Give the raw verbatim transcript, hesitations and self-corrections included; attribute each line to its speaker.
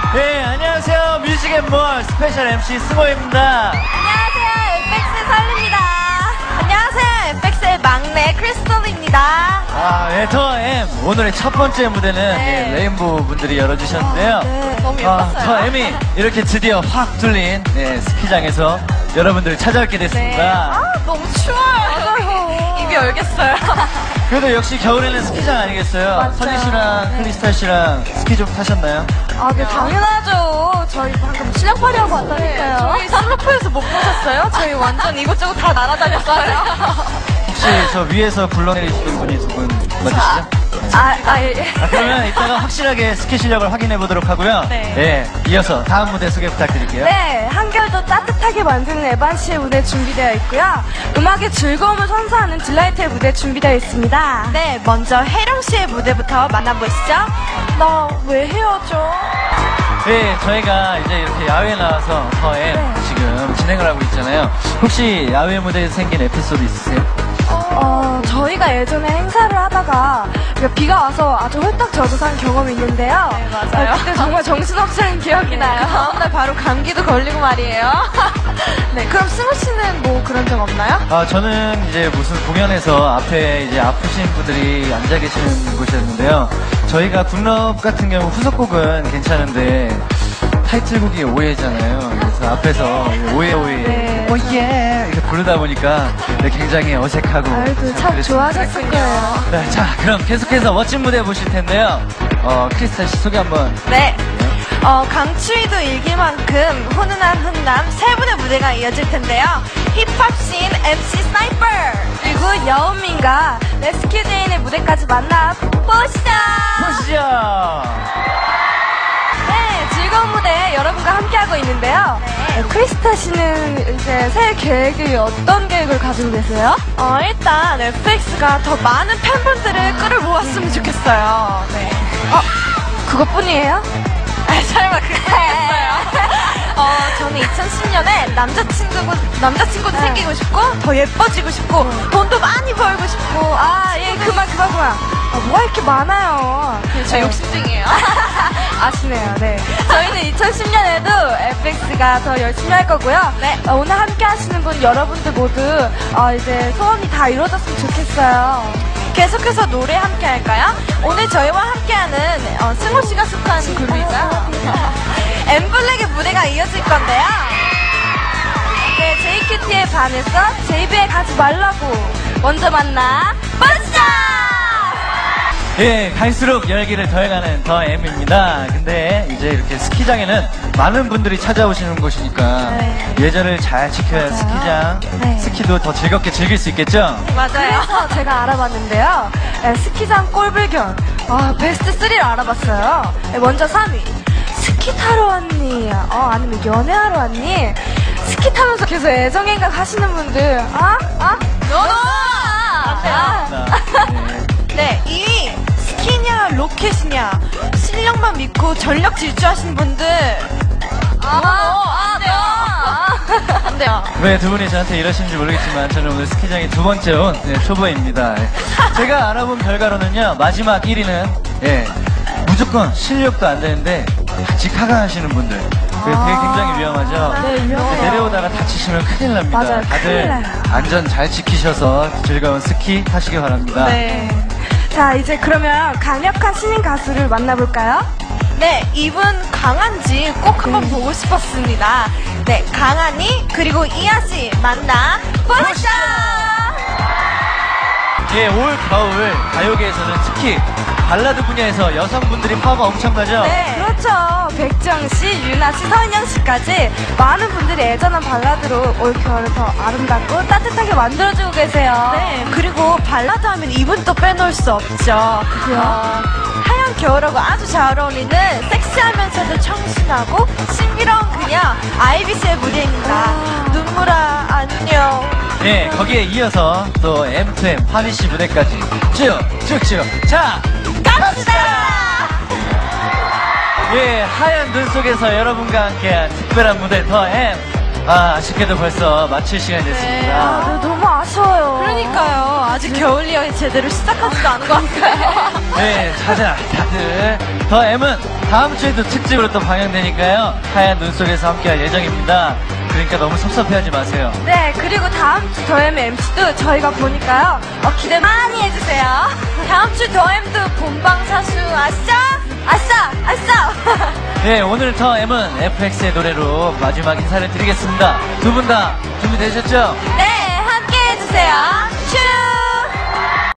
Speaker 1: 네, 안녕하세요. 뮤직앤몰 스페셜 엠씨 승호입니다.
Speaker 2: 안녕하세요. 에프엑스의 설리입니다. 안녕하세요. 에프엑스의 막내 크리스톨입니다.
Speaker 1: 아, 네, 더 M. 오늘의 첫 번째 무대는
Speaker 2: 네.
Speaker 1: 예, 레인보우 분들이 열어주셨는데요.
Speaker 2: 아, 네. 너무
Speaker 1: 아,
Speaker 2: 예뻤어요.
Speaker 1: 더 M이 이렇게 드디어 확 뚫린 네, 스키장에서 여러분들을 찾아뵙게 됐습니다.
Speaker 2: 네. 아, 너무 추워요. 맞아요. 입이 열겠어요.
Speaker 1: 그래도 역시 겨울에는 스키장 아니겠어요?
Speaker 2: 맞아요.
Speaker 1: 선희 씨랑
Speaker 2: 네.
Speaker 1: 크리스탈 씨랑 스키 좀 타셨나요?
Speaker 2: 아, 네, 당연하죠. 저희 방금 실력팔이 하고 왔다니까요. 저희 슬로프에서 못 보셨어요? 저희 완전 이곳저곳 다 날아다녔어요.
Speaker 1: 혹시 저 위에서 굴러내리시는 분이 두 분 맞으시죠?
Speaker 2: 아, 아, 예.
Speaker 1: 아, 그러면 이따가 확실하게 스키 실력을 확인해 보도록 하고요.
Speaker 2: 네.
Speaker 1: 예, 이어서 다음 무대 소개 부탁드릴게요.
Speaker 2: 네, 한결도 따뜻하게 만드는 에반 씨의 무대 준비되어 있고요. 음악의 즐거움을 선사하는 딜라이트의 무대 준비되어 있습니다. 네, 먼저 혜령 씨의 무대부터 만나보시죠. 나 왜 헤어져?
Speaker 1: 네, 저희가 이제 이렇게 야외에 나와서 더엠
Speaker 2: 네.
Speaker 1: 지금 진행을 하고 있잖아요. 혹시 야외 무대에서 생긴 에피소드 있으세요?
Speaker 2: 어, 저희가 예전에 행사를 하다가 비가 와서 아주 홀딱 젖어 산 경험이 있는데요. 네, 맞아요. 어, 그때 정말 정신없는 기억이 네, 나요. 그 다음날 바로 감기도 걸리고 말이에요. 네, 그럼 승우 씨는 뭐 그런 적 없나요?
Speaker 1: 아, 저는 이제 무슨 공연에서 앞에 이제 아프신 분들이 앉아 계시는 곳이었는데요. 저희가 굿럽 같은 경우 후속곡은 괜찮은데 타이틀곡이 오해잖아요. 그래서 앞에서 오해 오해
Speaker 2: 네.
Speaker 1: 오예 이렇게 부르다 보니까 네, 굉장히 어색하고
Speaker 2: 아이고, 참
Speaker 1: 그랬습니다.
Speaker 2: 좋아하셨을 거예요.
Speaker 1: 네, 자, 그럼 계속해서 멋진 무대 보실 텐데요. 어, 크리스탈 씨 소개 한번.
Speaker 2: 네. 어, 강추위도 일길 만큼 훈훈한 훈남 세 분의 무대가 이어질 텐데요. 힙합씬 엠씨 스나이퍼 그리고 여운민과 레스큐 제인의 무대까지 만나보시죠.
Speaker 1: 보시죠.
Speaker 2: 네, 즐거운 무대 여러분과 함께하고 있는데요. 네, 크리스타 씨는 이제 새 계획이 어떤 계획을 가지고 계세요? 어, 일단 에프엑스가 더 많은 팬분들을 끌어모았으면 좋겠어요. 네. 어, 그것뿐이에요? 아, 설마 그거였어요? 어, 저는 이천십 년에 남자친구, 남자친구도
Speaker 3: 네.
Speaker 2: 생기고 싶고, 더 예뻐지고 싶고,
Speaker 3: 음.
Speaker 2: 돈도 많이 벌고 싶고, 아, 예, 그만, 그만, 그만. 아, 뭐가 이렇게 많아요.
Speaker 3: 저 욕심쟁이에요.
Speaker 2: 아시네요, 네. 저희는 이천십 년에도 에프엑스가 더 열심히 할 거고요. 네. 어, 오늘 함께 하시는 분 여러분들 모두, 어, 이제 소원이 다 이루어졌으면 좋겠어요. 계속해서 노래 함께 할까요? 오늘 저희와 함께하는 어, 승호 씨가 속한 그룹이죠. 엠블랙의 무대가 이어질 건데요. 네, 제이큐티에 반해서 제이비에 가지 말라고. 먼저 만나 보시죠.
Speaker 1: 예, 갈수록 열기를 더해가는 더 M입니다. 근데 이제 이렇게 스키장에는 많은 분들이 찾아오시는 곳이니까
Speaker 2: 네.
Speaker 1: 예절을 잘 지켜야
Speaker 2: 맞아요.
Speaker 1: 스키장,
Speaker 2: 네.
Speaker 1: 스키도 더 즐겁게 즐길 수 있겠죠?
Speaker 2: 맞아요. 그래서 제가 알아봤는데요. 네, 스키장 꼴불견. 아, 베스트 쓰리를 알아봤어요. 네, 먼저 삼 위. 스키 타러 왔니? 어, 아니면 연애하러 왔니? 스키 타면서 계속 애정행각 하시는 분들. 아? 아? 너너!
Speaker 1: 네.
Speaker 2: 네, 이 위. 스키냐, 로켓이냐. 실력만 믿고 전력 질주하시는 분들. 아, 안 돼요. 안 돼요.
Speaker 1: 왜 두 분이 저한테 이러시는지 모르겠지만 저는 오늘 스키장에 두 번째 온 네, 초보입니다. 예. 제가 알아본 결과로는요, 마지막 일 위는 예, 무조건 실력도 안 되는데 같이 카강하시는 분들. 그게 되게 굉장히 위험하죠.
Speaker 2: 네, 위험해요.
Speaker 1: 내려오다가 다치시면 큰일 납니다.
Speaker 2: 맞아요, 큰일
Speaker 1: 다들
Speaker 2: 나요.
Speaker 1: 안전 잘 지키셔서 즐거운 스키 하시기 바랍니다.
Speaker 2: 네. 자, 이제 그러면 강력한 신인 가수를 만나볼까요? 네, 이분 강한지 꼭 한번 보고 싶었습니다. 네, 강한이 그리고 이하씨 만나 보시죠.
Speaker 1: 예, 올 겨울 가요계에서는 특히 발라드 분야에서 여성분들이 파워가 엄청나죠?
Speaker 2: 네, 그렇죠. 백정 씨, 유나 씨, 서인영 씨까지 많은 분들이 애전한 발라드로 올 겨울을 더 아름답고 따뜻하게 만들어주고 계세요. 네, 그리고 발라드 하면 이분 또 빼놓을 수 없죠. 그죠? 어, 하얀 겨울하고 아주 잘 어울리는 섹시하면서도 청순하고 신비로운 그녀 아이비씨의 무대입니다. 눈물아 안녕.
Speaker 1: 네, 거기에 이어서 또 엠투엠 파리씨 무대까지 쭉쭉쭉 자
Speaker 2: 갑시다.
Speaker 1: 예, 하얀 눈 속에서 여러분과 함께한 특별한 무대 더 M. 아, 아쉽게도 벌써 마칠 시간이 됐습니다.
Speaker 2: 아, 네, 너무 아쉬워요.
Speaker 3: 그러니까요. 아직 겨울리에 제대로 시작하지도 않은 것 같아요.
Speaker 1: 네, 다들, 다들. 더 M은 다음 주에도 특집으로 또 방영되니까요. 하얀 눈 속에서 함께할 예정입니다. 그러니까 너무 섭섭해하지 마세요.
Speaker 2: 네, 그리고 다음 주 더엠 엠시도 저희가 보니까요. 어, 기대 많이 해주세요.
Speaker 3: 다음 주 더엠도 본방사수 아시죠?
Speaker 2: 아싸! 아싸!
Speaker 1: 네, 오늘 더 M은 에프엑스의 노래로 마지막 인사를 드리겠습니다. 두 분 다 준비되셨죠?
Speaker 3: 네, 함께 해주세요. 슈!